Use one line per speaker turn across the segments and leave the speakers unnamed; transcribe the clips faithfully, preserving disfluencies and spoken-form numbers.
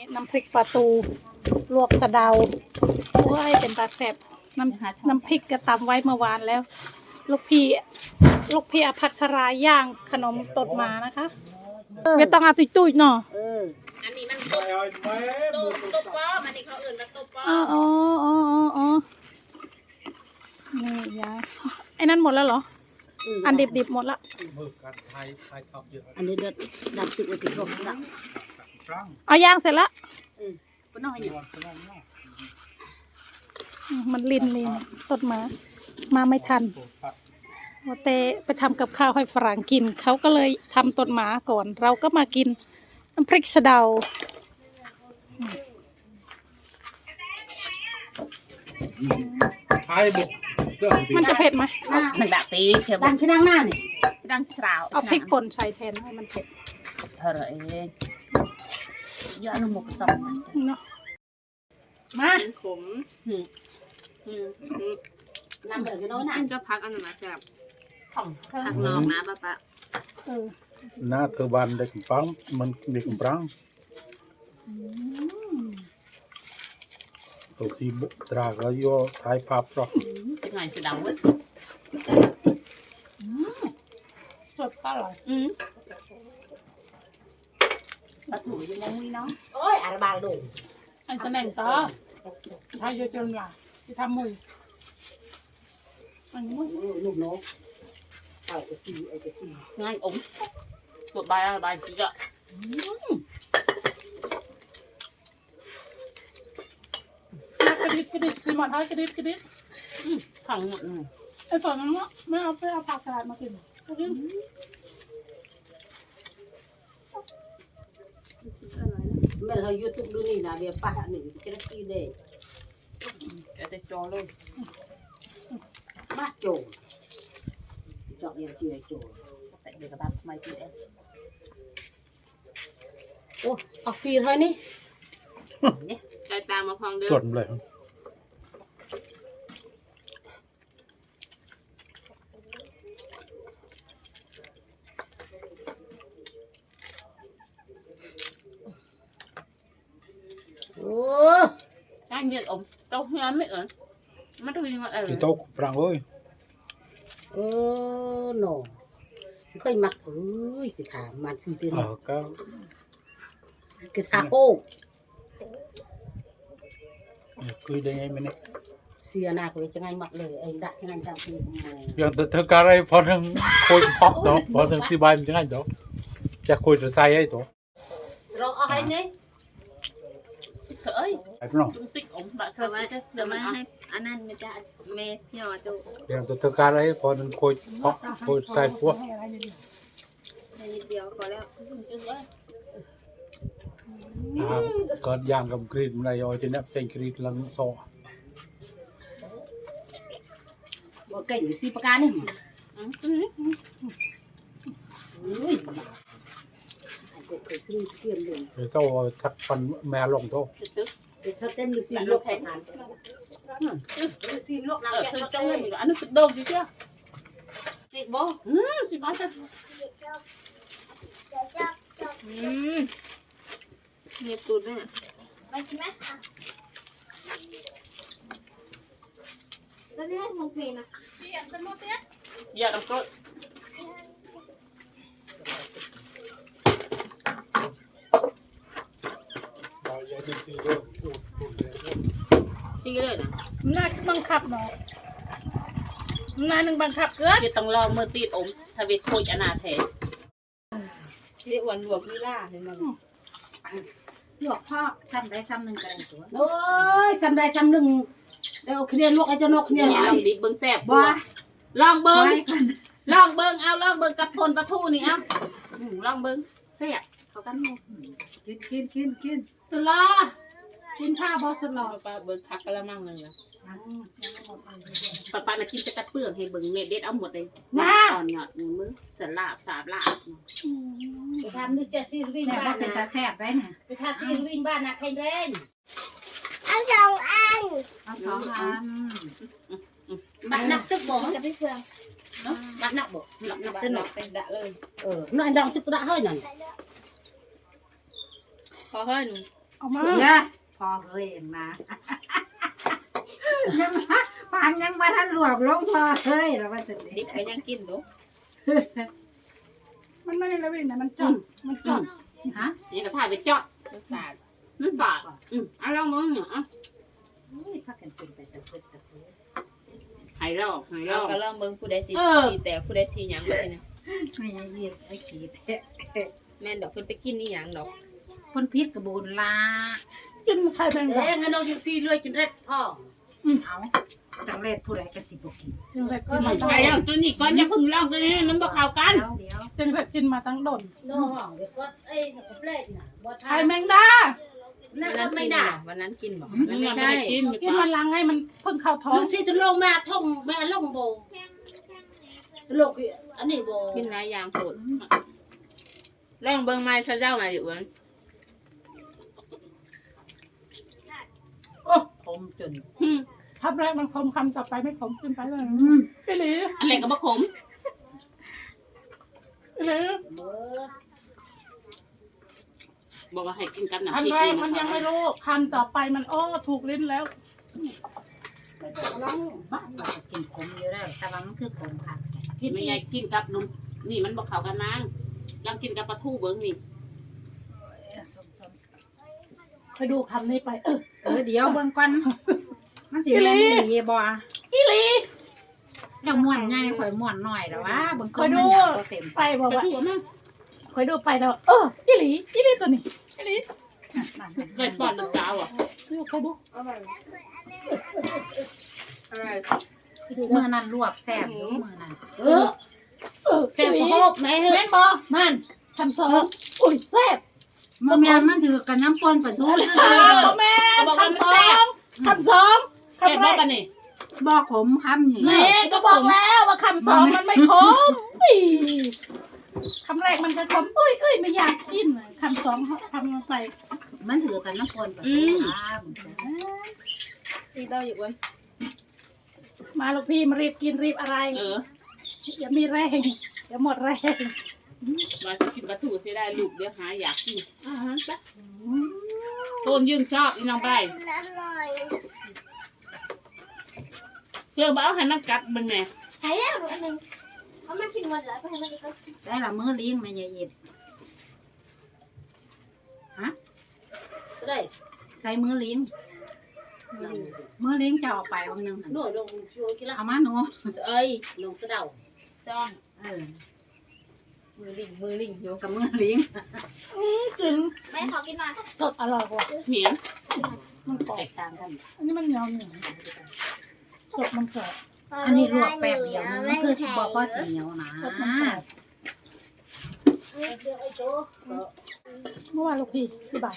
น้ำพริกปลาตูลวกสะเดาโอ้ยเป็นปลาแซ่บน้ำน้ำพริกกระตำไว้เมื่อวานแล้ว ลูกพี่ลูกพี่อภัสราย่างขนมตดหมานะคะไม่ต้องเอาตุ้ยๆเนาะ
อันนี้มันตุ๊บตุ๊บตุ๊บป้อมันนี่เขาอื่นมาตุ๊บป้อ
อ๋ออ๋ออ๋ออ๋อนี่ยายไอ้นั่นหมดแล้วเหรออันดิบๆหมดละ
อันนี้เด็ดดับติดไว้ที่ร่มละ
เอาย่างเสร็จละ
ก็น้อยอยู่
มันลินลินตดหมามาไม่ทันว่าเตไปทำกับข้าวให้ฝรั่งกินเขาก็เลยทำตดหมาก่อนเราก็มากินน้ำพริกสะเดามันจะเผ็ดไหม
มันแบบปีเขียวดังที่นั่งหน้านี่ดังสาว
เอาพริกป่นใส่แทนให้มันเผ็ด
เธอเองยอดนมหมกสอง
เนาะมา
ขม
น้ำเดือดจะน้อยหน่ะ
ก็พักอันนั้นนะแซ่บพักนอกนะป้าป้า
น่าเธอบ้านเด็กปังมันเด็กปังตัวสีบุตราก็ย่อท้ายภาพหรอก
หน่อยสีดำเว้ย
สดอร่อย
อืมปลาถูยังมองวิน้องโอ้ยอาราบาดู
อันจะแน่งต่อทายเยอะจนว่าที่ทำมืออันนี้
ลูกน้องเอาไปกินไอ้ไปกินง่ายอมกดใบอะไรใบจีอ่ะ
กระดิบกระดิบซีมอนท้ายกระดิบกระดิบ
ถังหมด
ไอ้ส่วนนั้นว่าไม่เอาไปเอาผักสลัดมากินกระดิบ
แม่เรายูทูบดูนี่นะเดี๋ยวป้าหนึ่งจะได้กินเลย
จะได้จอเลย
บ้าโจจอกยังเจือโจแต่เด็กกับบ้านทำไมกินเองโอ้เอาฟีเลยนี่
ใจตามมาพองเดิม
จดเลย
โอ้
ช่างเย็นอมเต้าเฮียไม่เอิญมันต้องมีอะไร
ที่โต๊ะปรางเลย
โอ้โน่เคยมักเอ้ยกระถางมันสีเตียน
ก็
กระถางโอ้
คุยได้ไงมันเนี่ย
เสียหน้าก็เลยจะไงมักเลยไอ้ดักงานจังปี
อย่างเธอการอะไรพอถึงคุยพอกตัวพอถึงที่บ้านจะไงตัวจะคุยจะใส่ไอ้ตัว
เราเอาให้เนี่ย
เฮ้ย
ไอ้พี่น้อง
จุ๊ติ๊กอมแบบเดี๋ยวมาเดี๋ยวมาให้อันนั้นไม่ได้เมย์พี่อ๋อจู
อย่างเธอการอะไรพอถึงคุยพอกคุยใส่พวก
นิดเดียวพอแล้วจึงเลย
ก็ย่างกับกรีดมันอะไรเอาจะนับเป็นกรีดลังโซ่
บ่เก่งสิประการนี่อุ้ยเคยซื้อเทียนเลย
เดี๋ยวเจ้าทักฟันแม่ลงโต๊ะ
เดี๋ยวถ้าเต้นดูสิลูกแข่งขันดูสิลูกน้ำแข็ง
จังเลยอันนี้สุดโดดสิเจ้า
เด็กบ่
อืมสิบ้าจ้ะอืมเงียบตูดเนี่ยไปกินไหมแล้วเนี่ยมองเพลงนะเดี๋ยวจะมุดเนี่ยอย่าต้องกดซีเลยนะ
น่าบังคับเนาะนายหนึ่งบังคับเกิน
จะต้องรอมือตีดอมทวีโคจอนาเทเรียกวันหลวงวิล่าเห็นไหม
หลวงพ่อซ้ำได้ซ้ำหนึ่งกันตัวโอ้ยซ้ำได้ซ้ำหนึ่งเดี๋ยวเคลียร์ลูกไอ้เจ้านกเนี่ย
ลองดิบเบิ้งแซ่บบ่ลองเบิ้งลองเบิ้งเอาลองเบิ้งกับพลปลาทูนี่เอาลองเบิ้งแซ่บเขากัน
กินกินกินกินสลากินข้าวบอสลา
ปลาเบิ้งผักกระมังเลยนะปลาปลาน่ะกินจะกัดเปลือกให้เบิ้งเม็ดเด็ดเอาหมดเลยตอนหยอดมือสลาบสาบลาบ
ไปทำนึกจะซีรีส์บ้านนะ
แซ่บไปนะ
ไปทำซีรีส์บ้านนะใครเล่น
เอาสองอัน
เอาสองอัน
บัตรนักตึกบ่
จะไปเฟือง
เนาะบัตรนักบ่บัตรนักตึกนัก
เป็นดะเลย
เออน้อยดองตึกดะเฮ้ยนั่น
พอเฮ้ย
เอามา
เนี่ยพอเคยเองนะยังปานยังมาทันหลวกลงพอเคยแล้วว่าจะ
ดิบก็ยังกินดู
มันไม่ได้ระเบิดนะมันจอดมันจอด
ฮะ
นี่ก็ถ่ายไปจอดฝาดมันฝาดอืมเอาลองมึงอ่ะ
นี่พักกันเป็นไปตะเพิดตะเพิด
หายรอบหายร
เรา
อบ
ก็ลองเบิ่งผู้ใดสิ
เออ
สีแต่ผู้ใดสีหยังบ่เนี่ย
ไม่ยังเยียบไอ้ขี้แท้
แม่นดอกเพิ่นไปกินอีหยังดอก
คนพิษกระบูนลา
กินไข่แมงดา
เอ้ยงั้นเราอยู่ซีเรื่อยจนเร็ดพ่อ
เอาจังเล็ดผู้ใดก็สิบกิน
จึงแบบกิน
ไม่
มา
ใช่แล้วตัวนี้ก่อนอย่าพึ่งลองตัวนี้มันบ่เข้ากัน
เดี๋ยวเดี๋ยว
จึงแบบกินมาตั้งดน
น้องเดี๋ยวก็ไอ้กระเปรตน่ะบ่ทา
ไข่
น
แมงดา
นั่
วัน นนั้น
ไม่
กิน
ได้
บ่วันนั้นกินบ่
มั
มัน น
ไม่
ไม่
ใช่
ใช่
กิน
กินมันลังให้มันเพิ่งเข้าท้อง
ดูสิจะลงมาท่องแม่ลงโบลงอันนี้โบ
กินหลายอย่างโพดลองเบิ่งไม้ซะเจ้ามาอยู่วัน
โอ้ผมจน
อืม
คำแรกมันคมคำต่อไปไม่คมขึ้นไปเลย
อืม
พี่หลี
อะไรก็บ่ขม
พี่หลี
บอกว่าให้กินกับน้ำพ
คำ
ริก
แรก
นี่
มันยังไม่รู้คำต่อไปมันอ้อถูกลิ้นแล้ว
ไม่ต้องร้องบ้าเราจะกินขมอยู่แล้วแต่ว่ามันคือขมค่ะ
ไม่ใช่กินกับนมนี่มันบ่เข้ากันนางลองกินกับปลาทูเบิ่งนี่
ไปดูคำนี้ไปเออ
เออเดี๋ยวเบิ่งก่อนมันสิแม่นอีหลีบ่
อีหลี
เจ้าม่วนใหญ่ข่อยม่วนน้อยแล้วว่าเบิ่ง
ค
ก่อ
อน ย
มั
ดู
นอยากบ่เต็ม
ไปบอก
ปลา
ว่า
ทูนะ
คอยดูไปแล้วเอออีหลีอีหลีตัวนี้อีหลี
เคยป้อนลูกสาวอ่ะ
ดูคอยดู
อะไร
มื้อนั้นลวกแซ่บอยู่มื้อนั้น
เออเออแซ่บโฮบไหนเฮ้ยบอมันคำสองอุ้ยแซ่บ
มื้อแม่นมันถือกันน้ำปนปลาทู
บอแม่คำสองคำสอง
แค่
คำแร
บอก
ก
กันนี่
บอกผมคำนี่
แม่ก็บอกแล้วว่าคำสองมันไม่คมอีคำแรกมันจะคมอุ้ยอุ้ยไม่อยากกินคำสองคำลงไป
มันถือกันน้ำปนปลาทูครับ
สีเต้าอยู่วัน
มาลูกพี่มารีบกินรีบอะไร
เออ
อย่ามีแรงอย่าหมดแรง
ว่าจะกินปลาทูเสียได้ลูกเดี๋ยวหาอยากกิน
อ่าฮะจ้ะ
ต้นยืนชอบอีน้องไป
น้ำหน่อย
เพื่อบ้าให้มันกัดมันแม่
หายแล้วอันหนึ่งเอามากินวันละไปให้มันก็
ได้ละมื้อเลี้ยงแม่ยายเย็ด
ได้
ใส่มื้อเลี้ยงมื้อเลี้ยงจะเอาไปวันหนึง
หน่วยลงช่วยกินละ
เอามาหนู
เอ้ยลงสะเดา
ซ่อม
เออ
มือลิงมือลิงอยู่
กับมื้อเลี้ยง
จริง
แม่ขอกินหน่อย
สดอร่อยกว่า
เหมียน
มันกรอบ
แตกต่างกัน
อันนี้มันเหนียวเหนียวสดมันกรอบ
อันนี้ลวกแป๊บเดียวนึงมันคือสิบ่พอสิเหนียวนะ
สดมันกรอบเมื่อวานลูกพี่สิบบาท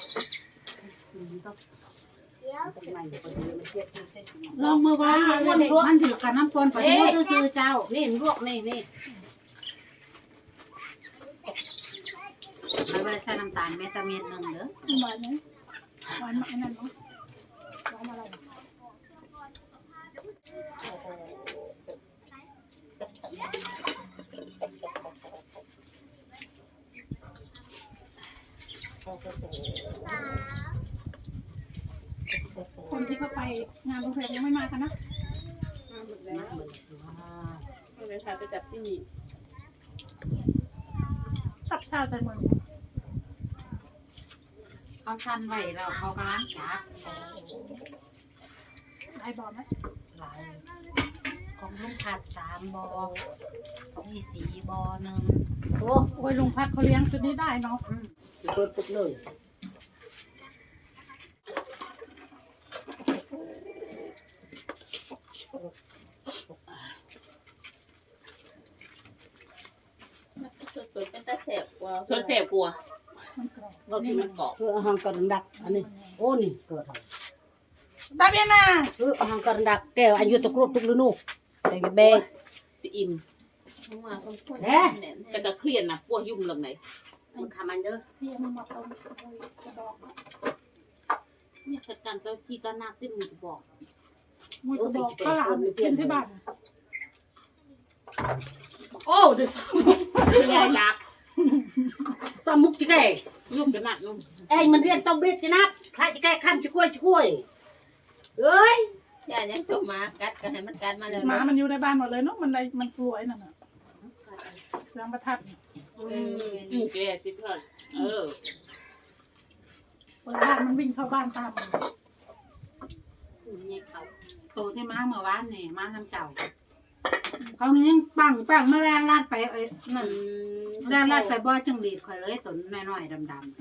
ลองมือว่ามันมันถือกันน้ำปนปลาทูซื่อๆเจ้า
นี่ลวกนี่นี่
เอาไว้ใส่น้ำตาลเม็ดตะเม็ดหนึงเด้อ
หวานไหมหวานมากนั่นเนาะหวานอะไร คนที่เขาไปงานโรงแรมยังไม่มากันนะ
ก็เลยพาไปจับที่นี่
สับชาใจมัน
เขาสั้นไว้แล้วเขากำลังจัก
ได้บอลไหม
หลายของลุงผัดสามบอของอีสีบอหนึ่ง
โอ้โอ้ยลุงพัดเขาเลี้ยงชุดนี้ได้เนาะ
เปิดปุ๊บเลย
สดๆเป็นตาแสบกว่า
ชวนเสพกลัว
มันกรอบ
เรากินมันเกาะ
เพื่ออาหารกระดักอันนี้โอ้นี่เกิด
ได้เบียนะ
เพื่ออาหารกระดักแก้วอายุตะกรุบทุกฤดูแต่แบก
สิอิ่ม
ทั้งว่าทั้งคน
แหน่
แน่น
แต่ก็เครียดนะปวดยุ่งเรื่องไหน
มันทำมันเด้อ
เสียงมาตรงกระบอก
เนี่ยจัดการเจ้าซีตานาขึ้นมึงบอก
มือกระบอกข้าวหลามกินที่บ้าน
โอ้เดี๋ยว
ไม่ยายรัก
สมุกจิแก่
ยุ่งจะหนักนุ่ม
เอ้ยมันเรียนต้องเบ็ดจินักพระจะแก้ขั้นจะช่วยช่วยเอ้ย
อย่ายังตกมากัดกันให้มันกัดมาเลย
หมามันอยู่ในบ้านหมดเลยเนาะมันเลยมันกลัวไอ้นั่นน่ะเสียงประทัดน่ะ
อืมแกติดก่อนเออ
เปิดบ้านมันวิ่งเข้าบ้านตามมัน
เนี่ยเขา
โตที่มาเมื่อวานนี่มาน้ำเจ้าเขานี่ยังปังปังมาแล่นลาดไปเอ้ยนั่นแล่นลาดไปบ่อจังหลีดข่อยเลยต้นน้อยๆดำ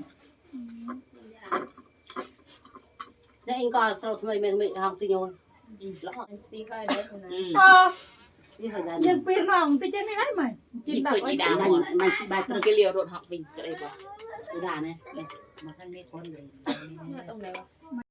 แล้วเองก็สรุปทำไมมันไม่ทำตีโยน
แล้วซีก็ได้คนนั้น
อืม
เออ
นี่เหรอ
ยังปีนห้องที่เจ๊ไม่ได้ไหมจิน
นี่
ดัก
เคย
ไว้
อี
ดี
ดา
มัน
หมด
มันสิบาย
มันก็เลี้ยวรถหอกวิ่งก็ได้บ่
ด่าเนี่ยมาท่านไม่พ้นเลย
ตรงไหนวะ